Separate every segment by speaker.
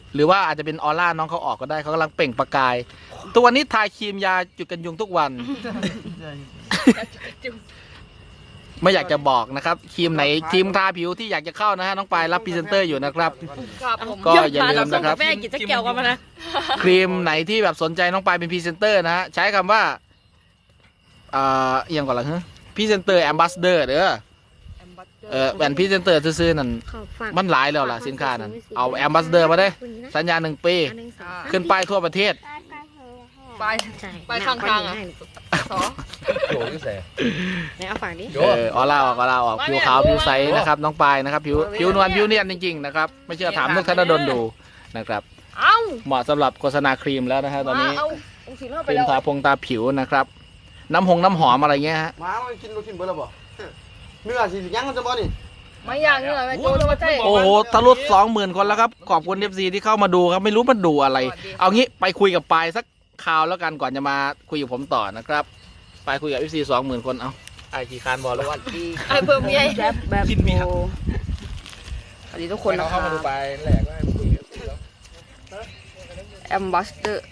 Speaker 1: หรือว่าอาจจะเป็นออร่าน้องเขาออกก็ได้เขากำลังเปล่งประกายตัวนี้ทาครีมยาจุดกันยุงทุกวัน ไม่อยากจะบอกนะครับครีมไหนทีมทาผิวที่อยากจะเข้านะฮะน้องปายรับพรีเซนเตอร์อยู่นะครับก็อย่าลืมนะครับ
Speaker 2: แม่กินจะเกี่ยวกันมานะ
Speaker 1: ครีมไหนที่แบบสนใจน้องปายเป็นพรีเซนเตอร์นะฮะใช้คำว่าเอียงก่อนละฮะพรีเซนเตอร์แอมบาสเดอร์เด้อแหวนพรีเซนเตอร์ซื้อๆนั่นมันหลายแล้วล่ะสินค้านั้นเอาแอมบาสเดอร์มาได้สัญญา1 ปีขึ้นป้ายทั่วประเทศ
Speaker 2: ไปข้างๆอ่ะ
Speaker 3: โหนี่แส
Speaker 2: ไหนเอาฝั่งนี้
Speaker 1: ออร่าออกผิวขาวผิวใสนะครับน้องปายนะครับผิวนวลผิวเนียนจริงๆนะครับไม่เชื่อถามนุกธนดลดูนะครับเหมาะสำหรับโฆษณาครีมแล้วนะฮะตอนนี้ครีมทาตาผิวนะครับน้ำหอมอะไรเงี้ยฮะ
Speaker 4: มากินเบอร์ละบ่เนื้อสิยังมันจะบ่นี่
Speaker 2: ไม่ยากเนื้อไม่โจ้ไม่ใช่
Speaker 1: โอ้โหทะลุ20,000 คนแล้วครับขอบคุณ FC ที่เข้ามาดูครับไม่รู้มันดูอะไร เอางี้ไปคุยกับปายสักคราวแล้วกันก่อนจะมาคุยกับผมต่อนะครับไปคุยกับ FC 20,000 คนเอาไอกี่คานบอลแล้ววัน
Speaker 2: ไอ้เพิ่มยัยแบบ
Speaker 1: กินมีครับ
Speaker 2: สวัสดีทุกคนนะ
Speaker 1: เข้ามาดูไปแหลกว่าคุยกับ
Speaker 2: แอมบาสเตอร์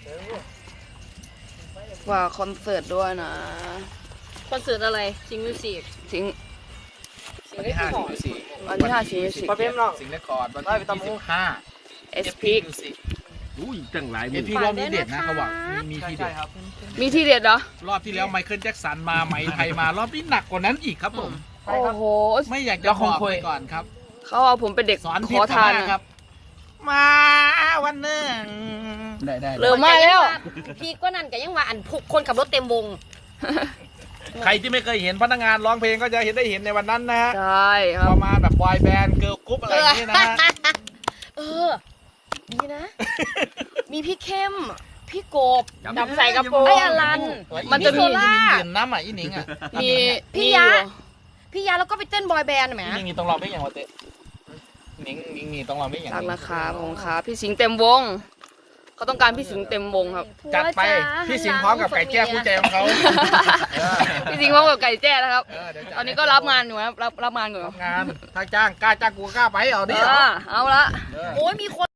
Speaker 2: ว่าคอนเสิร์ตด้วยนะ
Speaker 5: คอนเสิร์ตอะไรซิงมิวสิก
Speaker 2: สิง
Speaker 1: วันที่5
Speaker 2: วันที่5 สิงหาคม
Speaker 4: ปลาเพ็มเนาะ
Speaker 1: สิงห์เรคคอร์ดวันที่25
Speaker 2: เอสพีค
Speaker 3: อุ้ยตั้งหลาย
Speaker 1: เอพีรอบนี้เด็ดนะเขาบอกมีทีเด็ด
Speaker 2: มีที่เด็ดเหรอ
Speaker 1: รอบที่แล้วไมเคิลแจ็คสันมาไหมไทยมารอบนี้หนักกว่านั้นอีกครับผม
Speaker 2: โอ้โห
Speaker 1: ไม่อยากจะบอกไปก่อนครับ
Speaker 2: เขาเอาผมเป็นเด็ก
Speaker 1: สอน
Speaker 2: ขอทาน
Speaker 1: ผิดมกครับ มาวันหนึ่งได้
Speaker 2: เริ่มมาแล้ว
Speaker 5: พี่ก็นั่นก็ยังว่าอันพวกคนขับรถเต็มวง
Speaker 1: ใครที่ไม่เคยเห็นพนักงานร้องเพลงก็จะได้เห็นในวันนั้นนะฮะ
Speaker 2: ใช่ครั
Speaker 1: ป
Speaker 2: บ
Speaker 1: ระมาณแบบบอยแบนด์เกิร์ลกรุ๊ปอะไรอย่างนี้นะฮะ
Speaker 5: เออดีนะ มีพี่เข้ม พี่โกบ
Speaker 2: จับใส่กระโปรง
Speaker 5: ไอ้อลัน
Speaker 2: มันจะมี
Speaker 5: โซล่า
Speaker 1: ยืนน้ำอ่ะอีหนิงอ่ะ
Speaker 2: มี
Speaker 5: พี่ยะ พี่ยาแล้วก็ไปเต้นบอยแบนด์ไหม
Speaker 1: อีหนิงนี่ต้องร้องเพลงอย่างวะเต้หนิงนี่ต้องร้องเพลงอย่าง
Speaker 2: รัก
Speaker 1: นี้
Speaker 2: นะครับผมครับพี่สิงห์เต็มวงเขาต้องการพี่สิงห์เต็มวงครับ
Speaker 1: จัดไปพี่สิงห์พร้อมกับไก่แจ้คู่ใจของเขา
Speaker 2: พี่สิงห์พร้อมกับไก่แจ้นะครับ
Speaker 1: เดี๋ยวจัด
Speaker 2: ตอนนี้ก็รับงานอยู่ครับรับงานอยู่
Speaker 1: งานถ้าจ้างกล้าจ้างกูก็กล้าไปเอาดิ
Speaker 2: เอาละ
Speaker 1: เออ
Speaker 5: โอ้ยมีคน